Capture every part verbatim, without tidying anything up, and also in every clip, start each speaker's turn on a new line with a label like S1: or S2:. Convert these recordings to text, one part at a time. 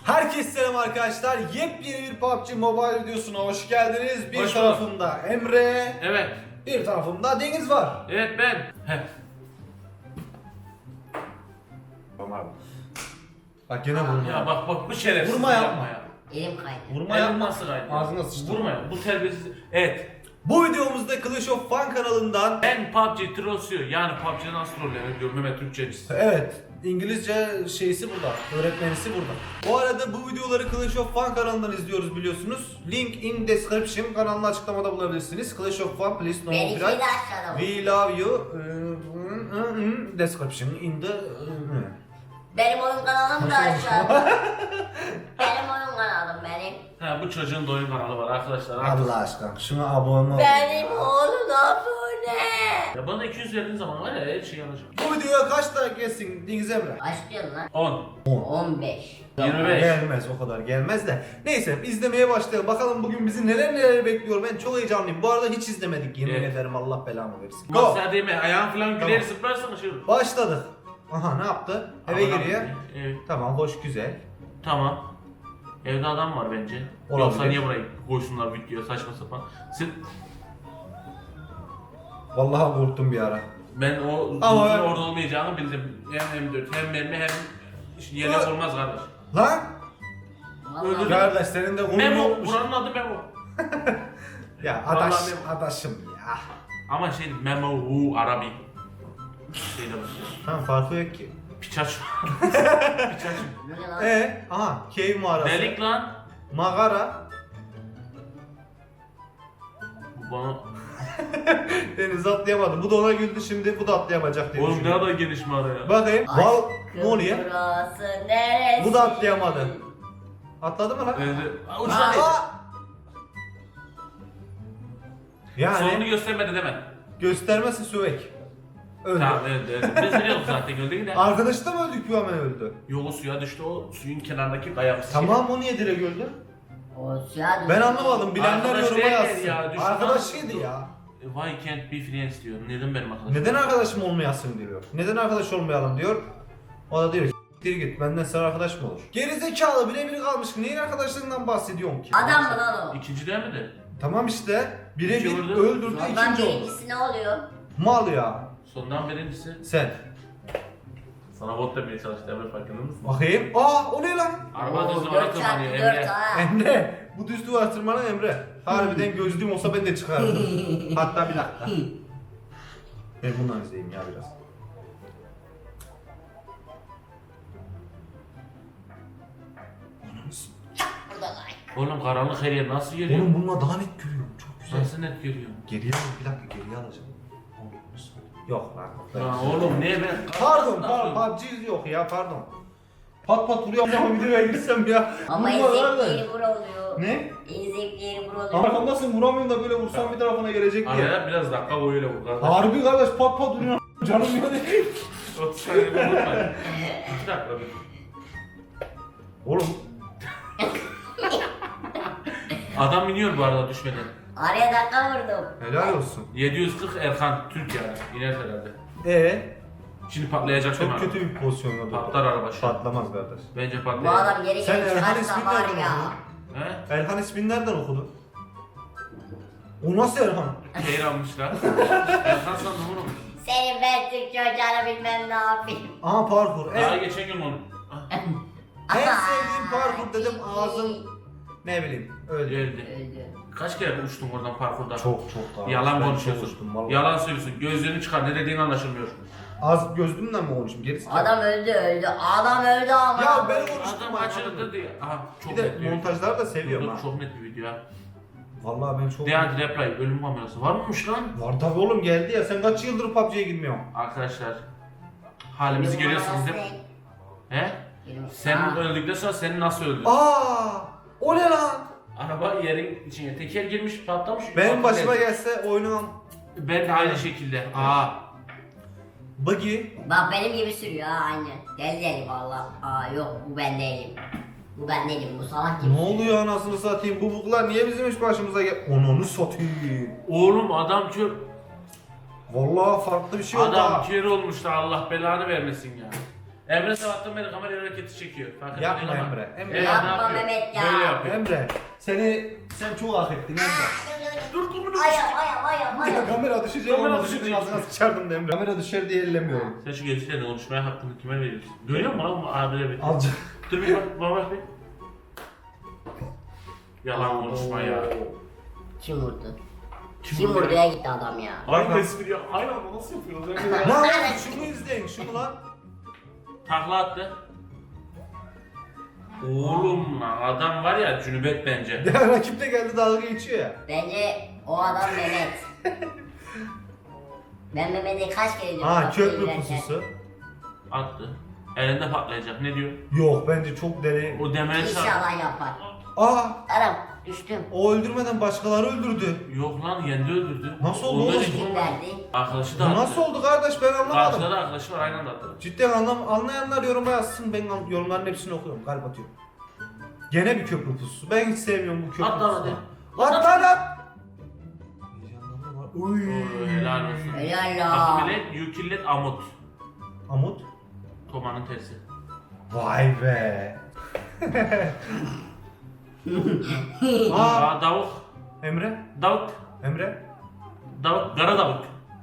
S1: Herkese selam arkadaşlar. Yepyeni bir P U B G Mobile videosuna hoş geldiniz. Bir
S2: Hoş
S1: tarafımda Emre,
S2: Evet.
S1: bir tarafımda Deniz var.
S2: Evet ben. Heh.
S1: Tamam. Bak gene vurma.
S2: Ya bak bak bu şerefsiz.
S1: Vurma yapma.
S2: ya.
S3: Elim kaydı.
S1: Vurma
S2: Elim
S1: yapma.
S2: nasıl kaydı?
S1: Ağzına sıçtı.
S2: Vurma ya. Bu terbiyesiz. Evet.
S1: Bu videomuzda Clash of Fun kanalından,
S2: Ben P U B G Trolls'u yani P U B G'de nasıl trollenir diyorum Mehmet Türkçecisi.
S1: evet, İngilizce şeysi burada, öğretmenisi burada. Bu arada bu videoları Clash of Fun kanalından izliyoruz biliyorsunuz. Link in description, kanalın açıklamada bulabilirsiniz. Clash of Fun, please no
S3: Benimki de
S1: copyright.
S3: aşağıda bu.
S1: We love you. uh, description in the...
S3: Benim oyun kanalım da aşağıda. Benim oyun kanalım benim.
S2: Ha bu çocuğun da oyun kanalı var arkadaşlar.
S1: Allah aşkına şuna abone ol.
S3: Benim oğlum abone.
S2: Ya bana iki yüz verdiğin zaman var ya her şeyi alacağım.
S1: Bu videoya kaç like gelsin Deniz Emre?
S3: Kaç diyorsun lan?
S2: on.
S3: on beş.
S2: yirmi beş.
S1: Gelmez, o kadar gelmez de. Neyse izlemeye başlayalım. Bakalım bugün bizi neler neler bekliyor. Ben çok heyecanlıyım. Bu arada hiç izlemedik. Yemin
S2: Evet.
S1: ederim, Allah belamı versin.
S2: Go.
S1: Go.
S2: Sen değil mi? Ayağın falan güler
S1: Tamam.
S2: zıplarsan şey olur.
S1: Başladık. Aha, ne yaptı? Eve
S2: Adam-
S1: giriyor.
S2: Evet.
S1: Tamam, hoş, güzel.
S2: Tamam. Evde adam var bence.
S1: Olabilir.
S2: Yoksa niye burayı koysunlar videoya saçma sapan. Siz,
S1: Vallahi korktum bir ara.
S2: ben o
S1: Ama
S2: uzun
S1: ben-
S2: orada olmayacağını bildim. Hem M dört hem mermi hem yelek
S1: Ö-
S2: olmaz kardeş.
S1: Lan!
S2: Öldürdüm.
S3: Vallahi
S1: Kardeş senin de kolun
S2: Memo,
S1: yokmuş.
S2: buranın adı Memo.
S1: Ya
S2: Vallahi
S1: adaş,
S2: Memo.
S1: adaşım ya.
S2: Ama şey Memo hu Arabi. Şeyde başlıyor.
S1: Tamam, farkı yok ki.
S2: Pikachu. Pikachu.
S3: bu ne lan?
S1: Ee, aha, cave mağarası.
S2: Delik lan.
S1: Mağara.
S2: Bana...
S1: Deniz atlayamadı. Bu da ona güldü, şimdi bu da atlayamayacak diye
S2: Oğlum ne
S1: düşünüyorum.
S2: kadar geniş mağara ya.
S1: Bakayım. Val, ne oluyor?
S3: Burası neresi?
S1: Bu da atlayamadı. Atladı mı lan?
S2: Öldü. Aa,
S3: Aa.
S2: Uçtan değil.
S1: Yani
S2: Sonunu göstermedi deme.
S1: göstermesi süvek. Öldü.
S2: Tamam öldü öldü. Biz biliyorduk zaten öldü yine.
S1: Arkadaşı da mı öldük, hemen öldü?
S2: Yolu suya düştü o suyun kenarındaki kaya.
S1: Tamam, o niye direkt öldü?
S3: O suya düştü.
S1: Ben anlamadım. Bilenler
S2: Arkadaş
S1: yoruma
S2: değil
S1: yazsın.
S2: ya, düşman
S1: Arkadaşıydı
S2: oldu.
S1: ya.
S2: Why can't be friends diyor. Neden benim arkadaşım?
S1: Neden arkadaşım olmayasın diyor. Neden arkadaş olmayalım diyor. O da diyor ki git, benden sana arkadaş mı olur? Gerizekalı, birebir kalmış. Neyin arkadaşlığından bahsediyorsun ki?
S3: Adam mı lan o?
S2: İkinci değil mi de?
S1: Tamam işte. Birebir
S2: İkinci vurdu.
S1: öldürdü,
S3: Ondan
S1: ikinci oldu.
S3: birincisi ne oluyor?
S1: Mal ya.
S2: Sondan birincisi.
S1: Sen.
S2: Sana bot demeye çalıştı Emre farkında mısın?
S1: Bakayım. Aa, o ne lan?
S2: Araba
S3: Oo,
S2: düz
S3: dört
S2: duvara tırmanıyor
S3: çarpı dört
S2: Emre.
S3: ha.
S1: Emre. Bu düz duvar tırmanan Emre. Harbiden gözlüğüm olsa ben de çıkardım. Hatta bir dakika. Ben bundan izleyeyim ya biraz.
S3: Bu da like.
S2: Oğlum karanlık her yer nasıl görüyor?
S1: Oğlum bununla daha net görüyorum. Çok güzel.
S2: Nasıl net görüyor?
S1: Geriye al, bir dakika geriye alacağım. Yok lan.
S2: Lan oğlum ne ben?
S1: Pardon, pardon. P U B G yok ya, pardon. Pat pat vuruyor ama videoya girsem ya.
S3: Ama en
S1: Vurma
S3: zevkli
S1: lan.
S3: yeri bura oluyor.
S1: Ne?
S3: En zevkli yeri bura oluyor.
S1: Arkamdasın, vuramıyorum da böyle vursam bir tarafına gelecek diye.
S2: Araya biraz dakika boyuyla vur kardeş.
S1: Harbi kardeş, pat pat vuruyor. Canım ya değil.
S2: otuz saniye bir unutma. İki dakika bir.
S1: Oğlum.
S2: Adam iniyor bu arada düşmeden.
S3: Araya dakika vurdum.
S1: Helal olsun.
S2: yedi yüz kırk Erkan Türk yani. İner herhalde.
S1: Ee,
S2: Şimdi patlayacak değil mi
S1: çok
S2: araba?
S1: kötü bir pozisyonda durdu.
S2: Patlar araba şu an.
S1: Patlamaz kardeş.
S2: Bence
S3: Bu
S2: patlayacak.
S3: adam geri
S1: Sen
S3: geri
S1: Erhan
S3: çıkarsa
S1: ismini
S3: var
S1: nereden
S3: ya.
S1: okudun?
S2: He?
S1: Erhan ismini nereden okudun? O nasıl Erhan?
S2: Şehir almışlar. Erkan sandım oğlum.
S3: Senin ben Türkçe hocanı bilmem ne yapayım.
S1: Aha, parkur.
S2: Daha
S1: En,
S2: geçen gün onu. Ah,
S1: en sevdiğim parkur dedim, ağzım ne bileyim öyle.
S2: Öldü.
S3: Öldü.
S2: Kaç kere uçtun oradan parkurda?
S1: Çok çok daha.
S2: Yalan
S1: Ben çok
S2: konuşuyorsun.
S1: uçtum vallahi.
S2: Yalan söylüyorsun. Gözlerini çıkar. Ne dediğin anlaşılmıyor.
S1: Az gözlüğümden mi konuşayım? Gerisi
S3: Adam öldü öldü. Adam öldü ama.
S1: Ya ben konuştum.
S2: Adam açıldı diye. Aha çok
S1: Bir de
S2: net bir video.
S1: montajları da seviyorum
S2: Dur,
S1: ha.
S2: Çok net bir video ya.
S1: Vallahi ben çok...
S2: Dead Reply ölüm kamerası var mıymış lan?
S1: Var tabi oğlum, geldi ya. Sen kaç yıldır P U B G'ye girmiyorsun?
S2: Arkadaşlar halimizi görüyorsunuz değil mi? He? Sen öldükten sonra seni nasıl öldü?
S1: Aa! O ne lan?
S2: Araba yerin içine teker girmiş patlamış.
S1: Benim başıma
S2: Patladı.
S1: gelse oynamam.
S2: Ben de aynı şekilde. Aa.
S1: Buggy.
S3: Bak benim gibi sürüyor ha aynen. Deli deli valla. Aa yok bu ben değilim. Bu ben değilim, bu salak gibi.
S1: Ne oluyor anasını satayım? Bu buklar niye bizim iş başımıza gel... Onunu satayım.
S2: Oğlum adam kör.
S1: Vallahi farklı bir şey oldu
S2: Adam
S1: ha.
S2: kör olmuş da Allah belanı vermesin ya. Emre sabahtan beri kamera hareketi çekiyor. Fark
S1: Yapma
S2: etmedin ama.
S1: Emre, Emre.
S2: Evet,
S3: Yapma
S2: ne yapıyor?
S3: Mehmet ya.
S2: Böyle yapıyor.
S1: Emre seni sen çok hak ettin Emre.
S2: Dur dur dur.
S3: Ayağım ayağım ayağım ayağım.
S1: Kamera düşecek
S2: Kamera
S1: ama
S2: düşecek.
S1: düşecek ağzına sıçardım da Emre. Kamera düşer diye ellemiyorum.
S2: Sen şu gençlerle konuşmaya hakkını kime veriyorsun? Görüyor musun lan bu abire bir?
S1: Alacak.
S2: Dur bir bak, bak bak bir. Yalan konuşma ya.
S3: Kim vurdu?
S2: Kim
S3: Kim
S2: vurdu?
S3: vurduya gitti adam ya.
S2: Aynı espri ya. Aynı anda nasıl yapıyoruz?
S1: Lan oğlum şunu izleyin şunu lan.
S2: Takla attı. Oğlum lan adam var ya cünübet bence.
S1: Ya rakip de geldi dalga geçiyor ya.
S3: Bence o adam Mehmet. Ben Mehmet'e kaç kere diyorum.
S1: Ha
S3: kapıyı
S1: köprü
S3: yürürken.
S1: pususu.
S2: Attı. Elinde patlayacak. Ne diyor?
S1: Yok bence çok deli.
S2: O demeye çarp.
S3: İnşallah yapar.
S1: Aa
S3: Adam düştüm.
S1: o öldürmeden başkaları öldürdü.
S2: Yok lan kendi öldürdü.
S1: Nasıl oldu
S2: Ondan
S1: oğlum?
S2: hiç
S3: Kim
S2: olmadı.
S3: verdi?
S2: Arkadaşı da
S1: Bu
S2: attı.
S1: nasıl oldu kardeş ben
S2: Karşıda
S1: anlamadım.
S2: da arkadaşı var aynı anda attı.
S1: Cidden anlam anlayanlar yoruma yazsın. Ben an- yorumların hepsini okuyorum. Kalp atıyorum. Gene bir köprü pususu. Ben hiç sevmiyorum bu köprü
S2: At lan
S1: pususunu.
S2: hadi.
S1: At lan at. Heyecanlandım lan. Uy.
S2: Oo, helal olsun.
S3: Helal ya.
S2: Takip et, yükillet amut.
S1: Amut.
S2: Tomanın tersi.
S1: Vay be. Aa,
S2: Aa davuk.
S1: Emre.
S2: Davuk.
S1: Emre.
S2: Davuk. Kara davuk.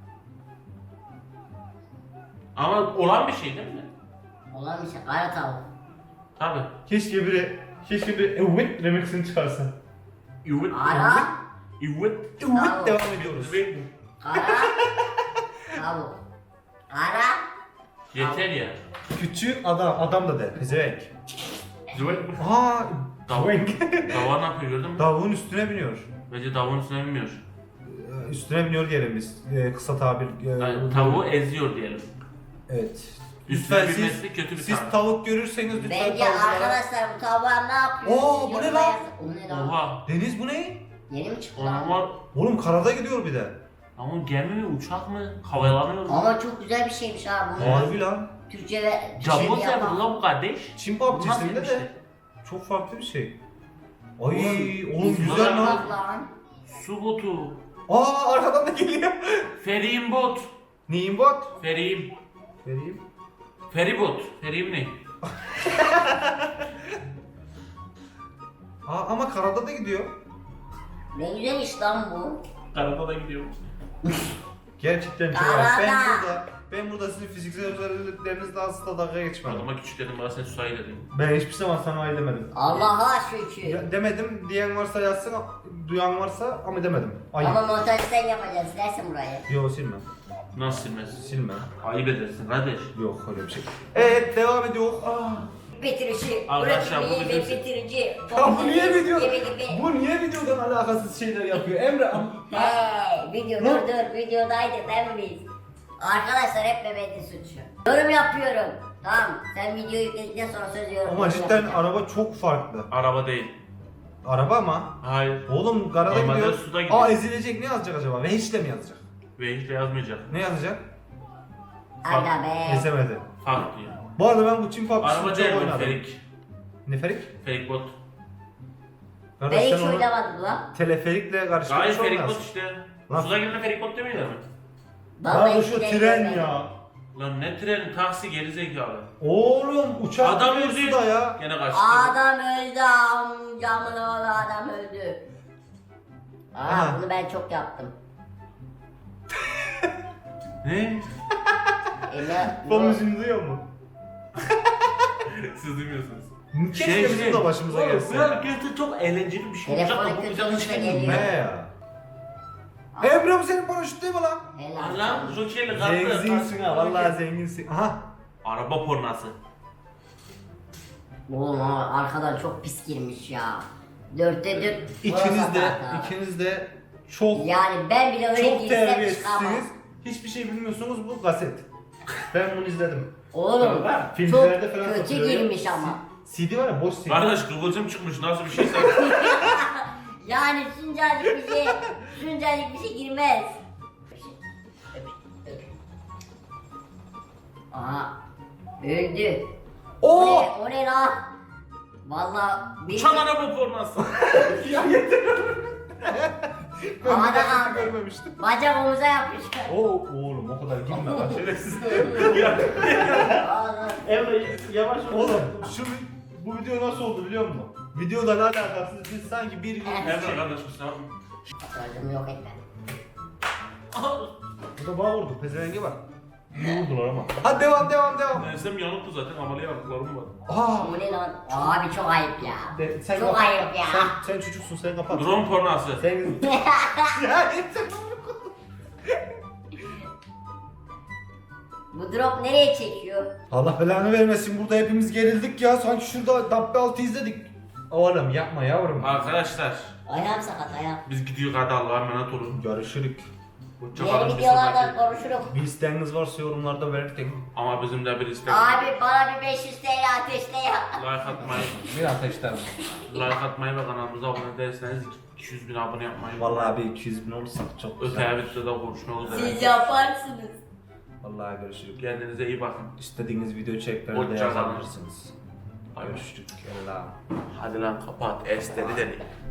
S2: Ama olan bir şey değil mi?
S3: Olan bir şey. Kara tavuk.
S2: Tabi.
S1: Keşke biri keşke bir evet remixini çıkarsa.
S2: Evet.
S3: Ara.
S2: Evet.
S1: Evet
S3: Bravo.
S1: devam ediyoruz.
S3: Kara. Tavuk. Kara.
S2: Yeter ya.
S1: Küçük adam adam da der. Pezevenk.
S2: Züvet.
S1: Aa,
S2: Davuk.
S1: Züvenk.
S2: Davuğa ne yapıyor gördün mü?
S1: Tavuğun üstüne biniyor.
S2: Bence davuğun üstüne binmiyor.
S1: Ee, Üstüne biniyor diyelim biz. Ee, kısa tabir. ee,
S2: Yani tavuğu eziyor diyelim.
S1: Evet.
S2: Üstüne
S1: Lütfen
S2: binmesi
S1: siz,
S2: kötü bir
S1: siz
S2: tavuk.
S1: tavuk görürseniz lütfen
S3: Bence
S1: tavuklara-
S3: arkadaşlar bu tavuğa ne yapıyor?
S1: Oo,
S3: Siz
S1: bu ne
S3: yoruma
S1: lan?
S3: yazın. O ne lan?
S2: Oha.
S1: Deniz bu ne?
S3: Yeni mi çıktı
S2: Onun
S3: lan?
S2: var.
S1: Oğlum karada gidiyor bir de.
S2: Ama gemi mi uçak mı? Havalanıyor mu?
S3: Ama çok güzel bir şeymiş ha bu.
S1: Harbi lan.
S3: Türkçe ve
S2: Jambon
S3: Türkçe
S2: yapıyor
S3: yapan.
S2: lan bu kardeş.
S1: Çin
S2: Bunlar
S1: PUBG'sinde
S2: demişti.
S1: de çok farklı bir şey. Ay
S3: Oğlum,
S1: oğlum
S3: biz
S1: güzel
S3: buna
S1: lan.
S3: bak lan.
S2: Su botu.
S1: Aa arkadan da geliyor.
S2: Feriyim bot.
S1: Neyin bot?
S2: Feriyim.
S1: Vereyim.
S2: Feribot. Feriyim ne?
S1: Aa ama karada da gidiyor.
S3: Ne güzelmiş lan bu.
S2: Karada da gidiyor.
S1: Gerçekten çok
S3: Karada.
S1: az. Ben burada, ben burada sizin fiziksel özelliklerinizle asla dalga geçmedim.
S2: Adama küçük dedim bana sen susayı dedim.
S1: Ben hiçbir zaman sana ay demedim.
S3: Allah'a şükür.
S1: Ya, demedim diyen varsa yazsın, duyan varsa ama demedim. Ay.
S3: Ama montaj sen yapacaksın. Silersin burayı.
S1: Yok silme.
S2: Nasıl silmez?
S1: Silme.
S2: Ayıp edersin kardeş.
S1: Yok öyle bir şey. Evet devam ediyor. Aa.
S3: Bitirici.
S2: Arkadaşlar, bu
S3: Bırakmayı ve
S2: bizim-
S3: bitirici.
S1: Ya bu niye video?
S3: Gibi gibi.
S1: Bu niye videodan alakasız şeyler yapıyor Emre?
S3: Hey, video
S1: Ne?
S3: dur dur videodaydık değil mi biz? Arkadaşlar hep Mehmet'in suçu. Yorum yapıyorum. Tamam sen video yükledikten sonra söz yorum
S1: Ama cidden
S3: yapacağım.
S1: araba çok farklı.
S2: Araba değil.
S1: Araba ama.
S2: Hayır.
S1: Oğlum karada
S2: Normalde
S1: gidiyor.
S2: suda gidiyor.
S1: Aa ezilecek ne yazacak acaba? Ve hiç de mi yazacak?
S2: Ve hiç de yazmayacak.
S1: Ne yazacak?
S3: Aga be.
S1: Ezemedi.
S2: Fark diyor.
S1: Bu arada ben bu Çin
S2: Araba
S1: PUBG'sini çok
S2: değil bu
S1: oynadım.
S2: ferik.
S1: Ne ferik?
S2: Ferik bot.
S1: Kardeş
S3: Ben hiç
S1: sen onu
S3: oynamadım lan.
S1: teleferikle
S2: Hayır
S1: karıştırmış
S2: ferik bot
S1: olmaz.
S2: işte.
S1: Lan-
S2: Suda girdiğinde ferik bot demiyorlar mı?
S1: Lan bu
S3: hiç
S1: şu
S3: de
S1: tren
S3: görmedim.
S1: ya.
S2: Lan ne treni taksi gerizekalı.
S1: Oğlum uçak
S2: Adam
S1: gidiyor
S2: öldü.
S1: suda ya.
S2: Gene kaçtı.
S3: Adam öldü amcamın oğlu adam öldü. Aa
S1: Aha.
S3: bunu ben çok yaptım.
S2: Ne?
S3: E ne?
S1: Fon
S3: bu-
S1: müziğini duyuyor mu?
S2: Siz duymuyorsunuz.
S1: Keşke bizim de başımıza
S2: Oğlum,
S1: gelse.
S2: Bu hareketi çok eğlenceli bir şey.
S3: Telefonu
S2: Uçakla bu
S3: kötü
S2: güzel bir
S3: olursa
S2: şey
S3: geliyor.
S2: değil mi?
S1: Ne ya? Emre bu senin paraşüt değil mi lan?
S3: Helal.
S2: Lan Joker'le kalktı.
S1: Zenginsin ha vallahi zenginsin. Aha.
S2: Araba pornası.
S3: Oğlum ama arkadan çok pis girmiş ya. Dörtte dört.
S1: İkiniz de,
S3: Burası
S1: ikiniz de çok
S3: Yani ben bile öyle
S1: çok
S3: girsem çıkamam.
S1: terbiyesizsiniz. Hiçbir şey bilmiyorsunuz bu kaset. Ben bunu izledim.
S3: Oğlum
S2: Tamam,
S3: çok
S1: filmlerde falan
S3: kötü
S1: satılıyor ya.
S3: girmiş ama.
S1: C D var ya boş C D.
S2: Kardeş kıvılcım çıkmış nasıl bir şeyse.
S3: Yani şuncacık bir şey, şuncacık bir şey girmez. Aha, öldü. O
S1: Oo!
S3: ne, o ne lan? Valla bir
S2: Uçan araba pornası.
S1: Ya yeter.
S3: Havada
S1: bu dakikayı
S3: kaldı.
S1: görmemiştim.
S3: Bacak omuza yapıştı.
S1: Oo oğlum o kadar girme lan şerefsiz.
S2: Emre yavaş ol.
S1: Oğlum şu bu video nasıl oldu biliyor musun? Videodan alakasız biz sanki bir gün
S2: Emre kardeşim sen.
S3: Sözümü yok etme.
S1: Bu da bana vurdu pezevengi var.
S2: Ne vurdular ama?
S1: Hadi devam devam devam.
S2: Ensem yanıktı zaten ameliyatlarım var.
S1: Aa.
S3: Bu ne lan? Abi çok ayıp ya.
S1: De, sen
S3: Çok
S1: kapat.
S3: ayıp ya.
S1: Sen, sen çocuksun sen kapat.
S2: Drone pornosu.
S1: Sen ya sen
S3: Bu drop nereye çekiyor?
S1: Allah belanı vermesin burada hepimiz gerildik ya sanki şurada Dabbe altı izledik. Oğlum yapma yavrum.
S2: Arkadaşlar
S3: Ayağım sakat ayağım.
S2: biz gidiyor hadi Allah'a emanet olun.
S1: Görüşürük.
S3: Diğer videolarda konuşuruz.
S1: Bir isteğiniz varsa yorumlarda belirtin.
S2: Ama bizim de bir istek.
S3: Abi bana bir beş yüz T L ateşle ya.
S2: Like atmayı,
S1: Bir ateşlerim.
S2: like atmayı ve kanalımıza abone değilseniz iki yüz bin abone yapmayı.
S1: Vallahi bir iki yüz bin olursak çok güzel.
S2: Öte videoda konuşmak üzere.
S3: Siz yaparsınız.
S1: Vallahi görüşürük.
S2: Kendinize iyi bakın.
S1: İstediğiniz video içeriklerini de
S2: Hoşça kalın.
S1: yazabilirsiniz. Görüşürük. Allah'ım.
S2: Hadi lan kapat. Esteri dedik.